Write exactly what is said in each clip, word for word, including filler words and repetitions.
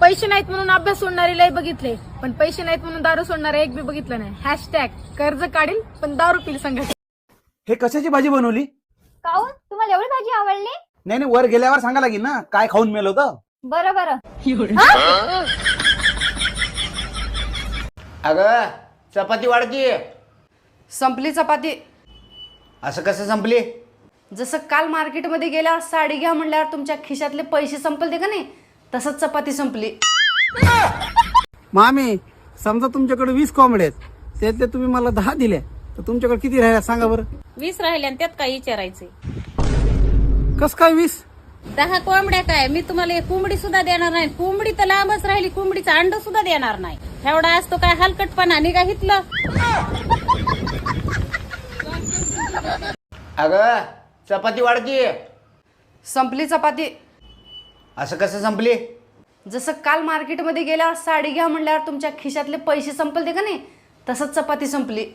पैसे नाहीत म्हणून अभ्यास सोडणारे लय बघितले, पण पैसे नाहीत म्हणून दारू सोडणारे एक बी बघितलं नाही. हॅशटॅग कर्ज काढील पण दारू पिल संघटना. हे कशाची भाजी बनवली? काऊन तुम्हाला एवढी भाजी आवडली? नाही नाही, वर गेल्यावर सांगा लागेल ना काय खाऊन मेल होतं. बरं बरं. अगं चपाती वाढती. संपली चपाती. असं कसं संपली? जसं काल मार्केटमध्ये गेल्यावर साडी घ्या म्हणल्यावर तुमच्या खिशातले पैसे संपलते का नाही, तसंच चपाती संपली. मामी, समजा तुमच्याकडे वीस कोंबड्या आहेत, त्यातले तुम्ही मला दहा दिल्या, तर तुमच्याकडे किती राहिल्या सांगा बरं. वीस राहिले आणि त्यात काय विचारायचंय? कस काय वीस? दहा कोंबड्या काय, मी तुम्हाला एक कोंबडी सुद्धा देणार नाही. कोंबडी तर लांबच राहिली, कोंबडीचं अंड सुद्धा देणार नाही. एवढा असतो काय हलकटपणा निघा हितलं. अगं चपाती वाढती. संपली चपाती. असं कसं संपली? जसं काल मार्केटमध्ये गेल्यावर साडी घ्या म्हणल्यावर तुमच्या खिशातले पैसे संपलते का नाही, तसंच चपाती संपली.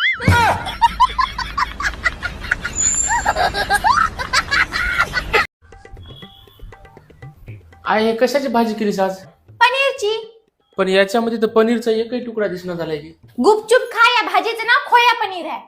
आई हे कशाची भाजी केलीस आज? पनीरची. पण याच्यामध्ये तर पनीरचा एकही तुकडा दिसणार झालाय की. गुपचूप खा, या भाजीचं नाव खोया पनीर आहे.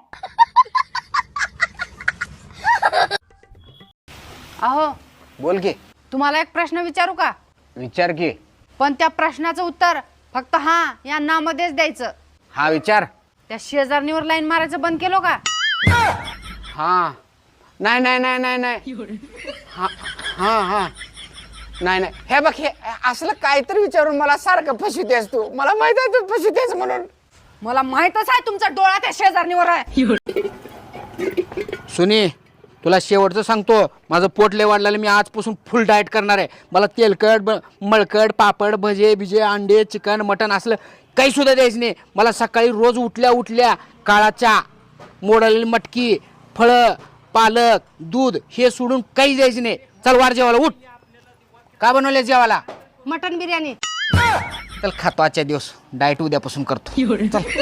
अहो बोल की. तुम्हाला एक प्रश्न विचारू का? विचार की. पण त्या प्रश्नाचं उत्तर फक्त हा या नामध्येच द्यायचं. हा विचार. त्या शेजारणीवर लाईन मारायचं बंद केलो का? हा नाही नाही नाही नाही नाही हा हा हा नाही नाही. हे बघ, हे असलं काहीतरी विचारून मला सारखं फसवतेस तू. मला माहित आहे तू फसवतेस म्हणून. मला माहितच आहे तुमचा डोळा त्या शेजारणीवर आहे. सुनी, तुला शेवटचं सांगतो, माझं पोट लय वाढलेलं. मी आजपासून फुल डाएट करणार आहे. मला तेलकट ब मळकट पापड भजे बिजे अंडे चिकन मटन असलं काही सुद्धा द्यायचं नाही. मला सकाळी रोज उठल्या उठल्या काळा चहा, मोडलेली मटकी, फळं, पालक, दूध हे सोडून काही द्यायचं नाही. चल वार जेवायला उठ. का बनवले जेवायला? मटन बिर्याणी. चल खातो आजच्या दिवस. डाएट उद्यापासून करतो. चल.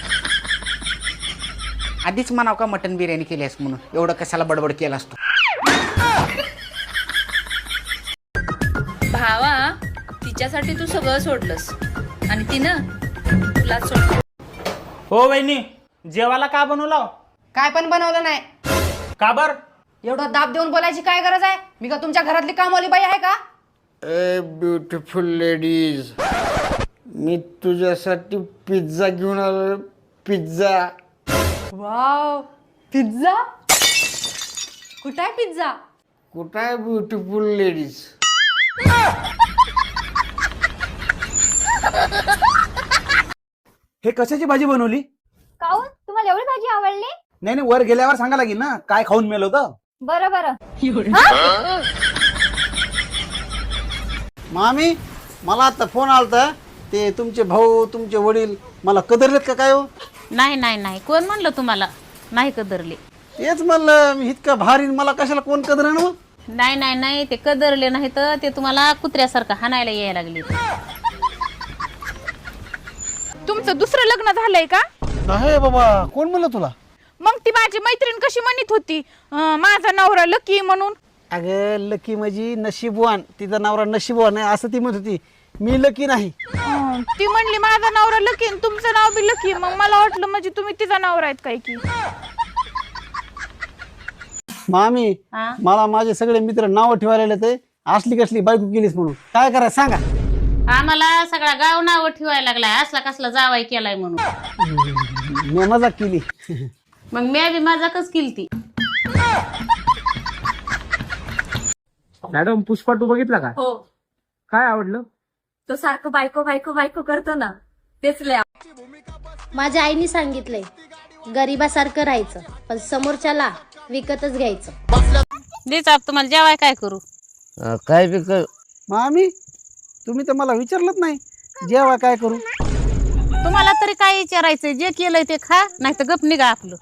आधीच म्हणाव का मटन बिर्याणी केली आहेस म्हणून, एवढं कशाला बडबड केला असतो. भावा, तिच्यासाठी तू सगळं सोडलंस आणि तिनं तुला सोडलं. हो वहिनी, जेवायला का बनवला? काय पण बनवलं नाही. का बर? एवढं दाब देऊन बोलायची काय गरज आहे? मी का तुमच्या घरातली कामवाली बाई आहे का? ए ब्युटिफुल लेडीज, मी तुझ्यासाठी पिझ्झा घेऊन आलो. पिझ्झा. Wow, pizza. कुठं आहे पिझ्झा? कुठं आहे ब्युटिफुल लेडीज? हे कशाची भाजी बनवली? काऊन तुम्हाला एवढी भाजी आवडली? नाही नाही, वर गेल्यावर सांगा लागेल ना काय खाऊन मेल होतं. बरं बरं. मामी, मला आता फोन आलता, ते तुमचे भाऊ तुमचे वडील मला कदरलेत का काय हो? नाही नाही नाही, कोण म्हणलं तुम्हाला नाही कदरले? तेच म्हणलं मी, इतका भारी मला कशाला कोण कदर ना. नाही नाही नाही, ते कदरले नाही तर ते तुम्हाला कुत्र्यासारखं हाणायला यायला लागले. तुमचं दुसरं लग्न झालंय का? नाही बाबा, कोण म्हणलं तुला? मग ती माझी मैत्रीण कशी म्हणत होती अं, माझा नवरा लकी म्हणून. अगं लकी माझी नशीबवान, तिचा नवरा नशीबवान आहे असं ती म्हणत होती. मी लकी नाही. अं, ती म्हणली माझा नवरा लकी आणि तुमचं नाव बी लकी. मग मला वाटलं म्हणजे तुम्ही तिचा नवरा आहेत काय की. मामी, हा? मला माझे सगळे मित्र नाव ठेवायला ते असली कसली बायको केलीस म्हणून काय करायचं सांगा. आम्हाला सगळा गाव नाव ठेवायला लागलाय, असला कसला जावाई केलाय म्हणून. मी मजाक केली. मग मी बी मजाकच केलती. मॅडम, पुष्पा टू बघितला का? हो, काय आवडलं? तो सारखं बायको बायको बायको करतो ना, तेच लय. माझ्या आईने सांगितलंय गरिबासारखं राहायचं, पण समोरच्याला विकतच घ्यायचं. देच आप तुम्हाला जेवाय काय करू? काय पिक? मामी, तुम्ही तर मला विचारलंच नाही जेव्हा काय करू. तुम्हाला तरी काय विचारायचंय? जे केलंय ते खा, नाही तर गप निघा आपलं.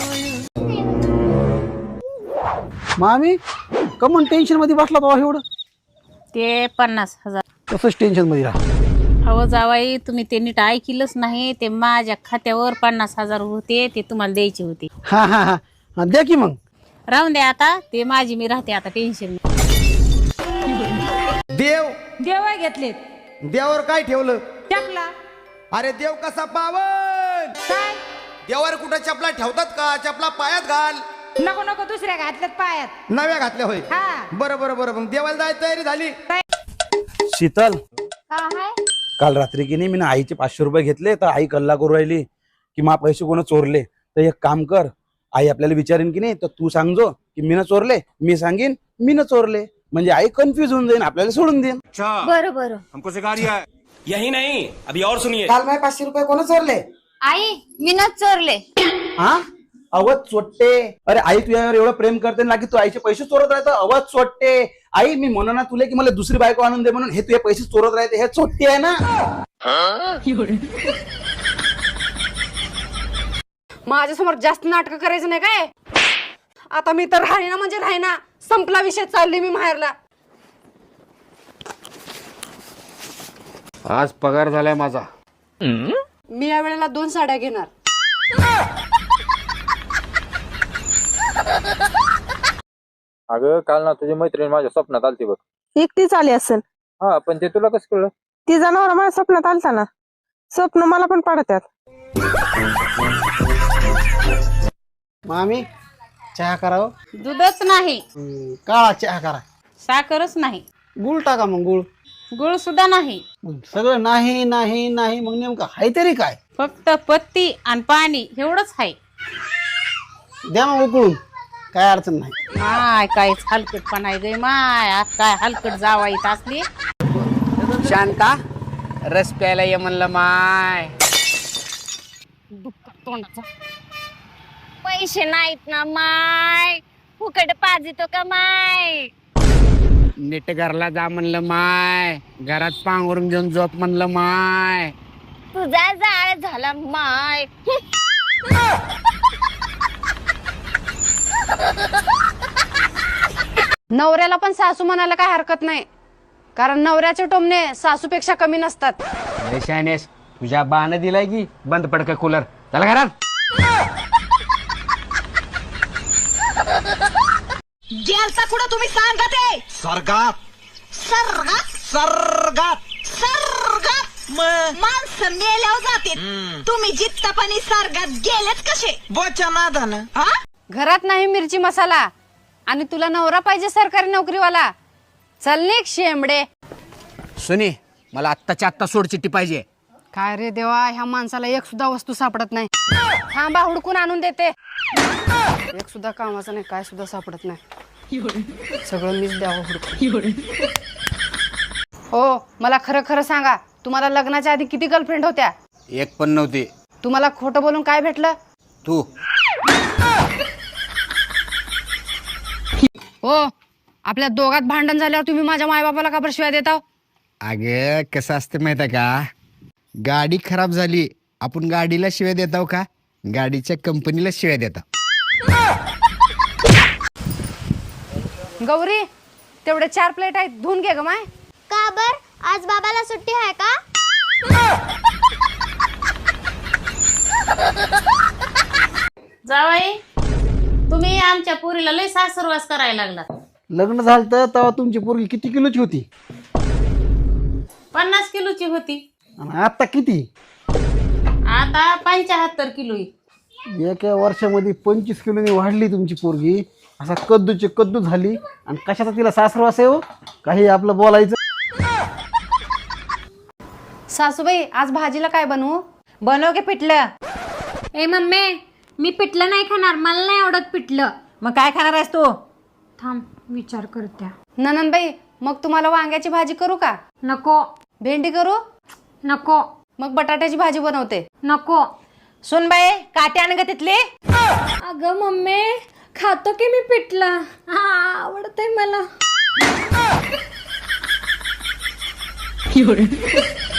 मामी, कमन टेन्शन मध्ये बसला तो एवढं? ते पन्नास हजार. तसंच टेन्शन मध्ये राहा. अहो जावाई, तुम्ही ते नीट ऐकलंच नाही. ते माझ्या खात्यावर पन्नास हजार होते, ते तुम्हाला द्यायचे होते. हा हा हा हा, द्या की मग. राहून द्या आता, ते माझी मी राहते आता, टेन्शन. देव देवाय घेतलेत. देवावर काय ठेवलं? चपला. अरे देव कसा पावन? काय देवावर कुठं चपला ठेवतात का? चपला पायात घाल. नको नको दुसऱ्या घातल्यात पायात. नव्या घातल्या होय. हा. बरं बरं बरं मग देवाला जायची तयारी झाली. शीतल, का हाय? काल रात्री की नाही मी आईचे पाचशे रुपये घेतले तर आई कल्ला करू राहिली की मा पैसे कोण चोरले. तर एक काम कर, आई आपल्याला विचारेन की नाही तर तू सांगजो की मी न चोरले, मी सांगेन मी न चोरले, म्हणजे आई कन्फ्युज होऊन जाईन, आपल्याला सोडून देईन. बरं बरं. हमको सिखा रिया है. यही नहीं, अभी और सुनिए. काल माझे पाचशे रुपये कोण चोरले? आई मी न चोरले. हा अवध चोट्टे. अरे आई तुझ्यावर एवढं प्रेम करते ना की तू आईचे पैसे चोरत राहतं. अवध चोट्टे. आई मी म्हणू ना तुला की मला दुसरी बायको आणून दे म्हणून, हे तुझे पैसे चोरत राहते, हे चोट्टे आहे ना. माझ्यासमोर जास्त नाटक करायचं नाही काय. आता मी तर राहीना म्हणजे राहीना, संपला विषय, चालली मी माहेरला. आज पगार झालाय माझा. मी या वेळेला दोन साड्या घेणार. अगं काल ना तुझी मैत्रीण माझ्या स्वप्नात आलती बघ. एकटीच आली असेल. हा पण ते तुला कसं कळलं? ती जनावर माझ्या स्वप्नात आलता ना. स्वप्न मला पण पडतात. मामी चहा करावं. दूधच नाही, हम्म, काळा चहा करा. साखरच नाही, गुळ टाका मग गुळ. गुळ सुद्धा नाही. मग सगळं नाही नाही नाही, मग नेमकं हाय तरी काय? फक्त पत्ती आणि पाणी एवढंच आहे. द्या मग उकळून, काय अडचण नाही. माय काहीच हलकटपणा आहे गे माय. आज काय हलकट जावा येत असली. शांता, रस प्यायला ये म्हणलं माय. पैसे नाहीत ना माय. फुकट पाजितो का माय. नीट घरला जा म्हणलं माय. घरात पांघरून घेऊन झोप म्हणलं माय. तुझा जाळ झाला माय. नवऱ्याला पण सासू म्हणायला काय हरकत नाही, कारण नवऱ्याचे टोमणे सासूपेक्षा कमी नसतात. अरे शानेस, तुझ्या बाण दिलाय की बंद पडक कूलर. चला घरात. गेलता कुठं तुम्ही सांगा ते. स्वर्गात. सर्गात स्वर्गात. सर्गात माणसं मेल्यावर जाते. तुम्ही जित्तापणी सर्गात गेलेत कसे? बोच्या नादानं. घरात नाही मिरची मसाला आणि तुला नवरा पाहिजे सरकारी नोकरीवाला. चल निघ शेंबडे. सुनी, मला आत्ताच्या आत्ता सोडचिट्टी पाहिजे. काय रे देवा, ह्या माणसाला एक सुद्धा वस्तू सापडत नाही. थांबा, हुडकून आणून देते. एक सुद्धा कामाचं नाही, काय सुद्धा सापडत नाही. सगळं मीच द्यावं हुडकून. हो, मला खरं खरं सांगा, तुम्हाला लग्नाच्या आधी किती गर्लफ्रेंड होत्या? एक पण नव्हती. तुम्हाला खोटं बोलून काय भेटलं? तू. हो, आपल्या दोघात भांडण झाल्यावर तुम्ही माझ्या मायबापाला का बरं शिवाय देता? अगे कसं असते माहित आहे का, गाडी खराब झाली आपण गाडीला शिव्या देताव का, गाडीच्या कंपनीला शिव्या देता. गौरी, तेवढे चार प्लेट आहेत, धुवून घे ग माय. का बर आज बाबाला सुट्टी आहे का? जावाई, तुम्ही आमच्या पोरीला लय सासरवास करायला लागला. लग्न झालं तर तेव्हा तुमची पोरगी किती किलोची होती? पन्नास किलोची होती, आणि आता किती? आता पंच्याहत्तर किलो. एका वर्षामध्ये पंचवीस किलोनी वाढली तुमची पोरगी. असा कद्दूची कद्दू झाली. आणि कशाचा तिला सासरवास आहे हो? काही आपलं बोलायचं. सासूबाई, आज भाजीला काय बनवू? बनव के पिठलं. ए मम्मी, मी पिठलं नाही खाणार, मला नाही आवडत पिठलं. मग काय खाणार आहेस तू? थांब, विचार करत्या. ननंदबाई, मग तुम्हाला वांग्याची भाजी करू का? नको भेंडी करू? नको मग बटाट्याची भाजी बनवते. नको. सुन बाई, काटे आण ग तिथली. अगं मम्मी, खातो की मी पिठलं, हा आवडतंय मला.